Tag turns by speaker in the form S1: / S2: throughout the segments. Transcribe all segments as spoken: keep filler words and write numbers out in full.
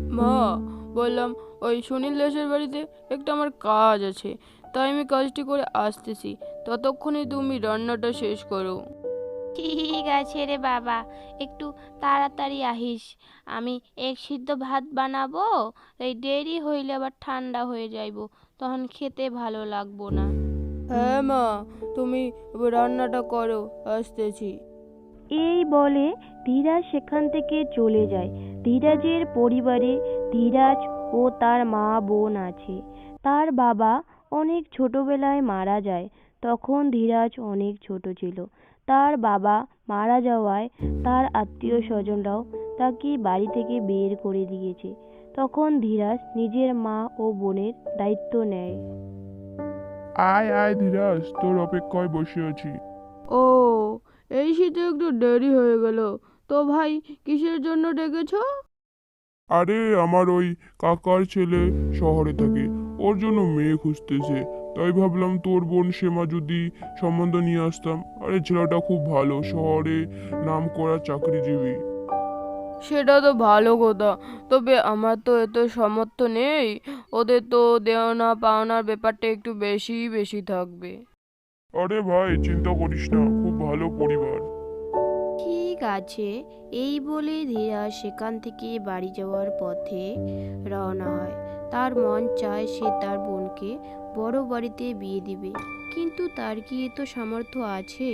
S1: মা, বললাম ওই সুনীল দাসের বাড়িতে একটা আমার কাজ আছে, তাই আমি কাজটি করে আসতেছি। ততক্ষণে তুমি রান্নাটা শেষ করো।
S2: ঠিক আছে রে বাবা, একটু তাড়াতাড়ি আহিস। আমি এক সিদ্ধ ভাত বানাবো, এই দেরি হইলে আবার ঠান্ডা হয়ে যাইব, তখন খেতে ভালো লাগবো না।
S1: হ্যাঁ মা, তুমি রান্নাটা করো, আসতেছি।
S3: এই বলে ধীরাজ সেখান থেকে চলে যায়। ধীরাজের পরিবারে ধীরাজ ও তার মা বোন আছে। তার বাবা অনেক ছোটবেলায় মারা যায়। তখন ধীরাজ অনেক ছোট ছিল। তার বাবা মারা যাওয়ায় তার আত্মীয় স্বজনরাও তাকে বাড়ি থেকে বের করে দিয়েছে। তখন ধীরাজ নিজের মা ও বোনের দায়িত্ব নেয়।
S4: আয় আয় ধীরাজ, তোর অপেক্ষায় বসে আছি।
S1: ও, এই শীতে একটু দেরি হয়ে গেল। তো ভাই, কিসের জন্য ডেকেছ?
S4: আরে আমার ওই কাকার ছেলে শহরে থাকে, ওর জন্য মেয়ে খুঁজতেছে। তাই ভাবলাম তোর বোন সেমা যদি সম্বন্ধ নিয়ে আসতাম। আরে ছেলেটা খুব ভালো, শহরে নাম করা চাকরিজীবী।
S1: সেটা তো ভালো কথা, তবে আমার তো এত সামর্থ্য নেই। ওদের তো দেওনা পাওনার ব্যাপারটা একটু বেশি বেশি থাকবে।
S4: আরে ভাই চিন্তা করিস না, খুব ভালো পরিবার।
S2: ঠিক আছে, এই বলে ধীরাজ সেখান থেকে বাড়ি যাওয়ার পথে রওনা হয়। তার মন চায় সে তার বোনকে বড় বাড়িতে বিয়ে দিবে, কিন্তু তার কি এত সামর্থ্য আছে?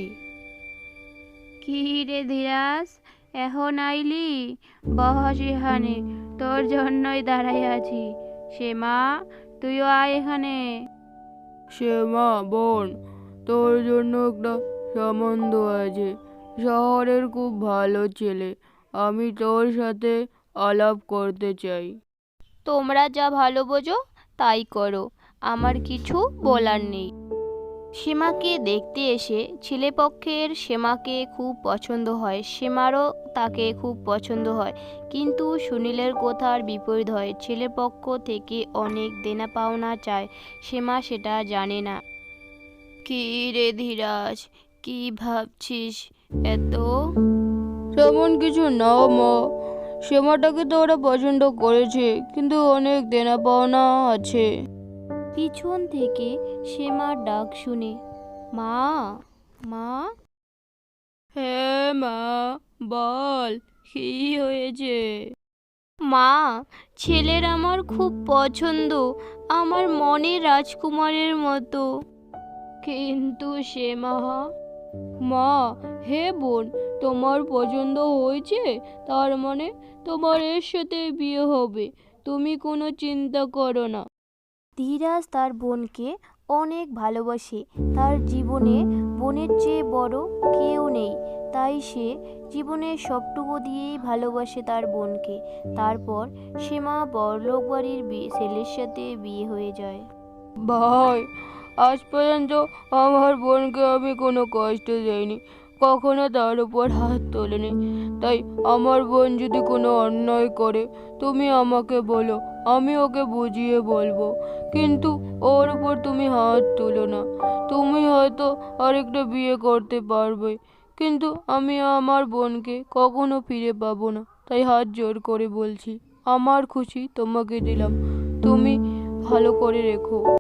S2: কি রে ধীরাজ, এখন আইলি? বস এখানে, তোর জন্যই দাঁড়াই আছি। সে মা, তুইও আয় এখানে।
S1: সে মা, বোন, তোর জন্য একটা সম্বন্ধ আছে। শহরের খুব ভালো ছেলে, আমি তোর সাথে আলাপ করতে চাই।
S2: তোমরা যা ভালো বোঝো তাই করো, আমার কিছু বলার নেই। সীমাকে দেখতে এসে ছেলেপক্ষের সীমাকে খুব পছন্দ হয়, সীমারও তাকে খুব পছন্দ হয়, কিন্তু সুনীলের কথার বিপরীত হয়। ছেলেপক্ষ থেকে অনেক দেনা পাওনা চায়, সীমা সেটা জানে না। কি রে ধীরাজ, কি ভাবছিস এত?
S1: তেমন কিছু না মা, সেমাটাকে তো ওরা পছন্দ করেছে, কিন্তু অনেক দেনা পাওনা আছে।
S2: পিছন থেকে সীমার ডাক শুনে, মা, মা।
S1: হ্যাঁ মা, বল, কি হয়েছে?
S2: মা, ছেলের আমার খুব পছন্দ, আমার মনের রাজকুমারের মতো।
S1: কিন্তু সে মা, মা, হে বোন, তোমার পছন্দ হয়েছে, তার মানে তোমার এর সাথে বিয়ে হবে। তুমি কোনো চিন্তা করো না।
S2: ধীরাজ তার বোনকে অনেক ভালোবাসে, তার জীবনে বোনের চেয়ে বড় কেউ নেই, তাই সে জীবনের সবটুকু দিয়েই ভালোবাসে তার বোনকে। তারপর সীমা বড়লোক বাড়ির বি- ছেলের সাথে বিয়ে হয়ে যায়।
S1: ভাই, আজ পর্যন্ত আমার বোনকে আমি কোনো কষ্ট দেইনি, কখনো তার উপর হাত তোলেনি। তাই আমার বোন যদি কোনো অন্যায় করে, তুমি আমাকে বলো, আমি ওকে বুঝিয়ে বলবো। কিন্তু ওর উপর তুমি হাত তুলো না। তুমি হয়তো আরেকটা বিয়ে করতে পারবে, কিন্তু আমি আমার বোনকে কখনো ফিরে পাবো না। তাই হাত জোর করে বলছি, আমার খুশি তোমাকে দিলাম, তুমি ভালো করে রেখো।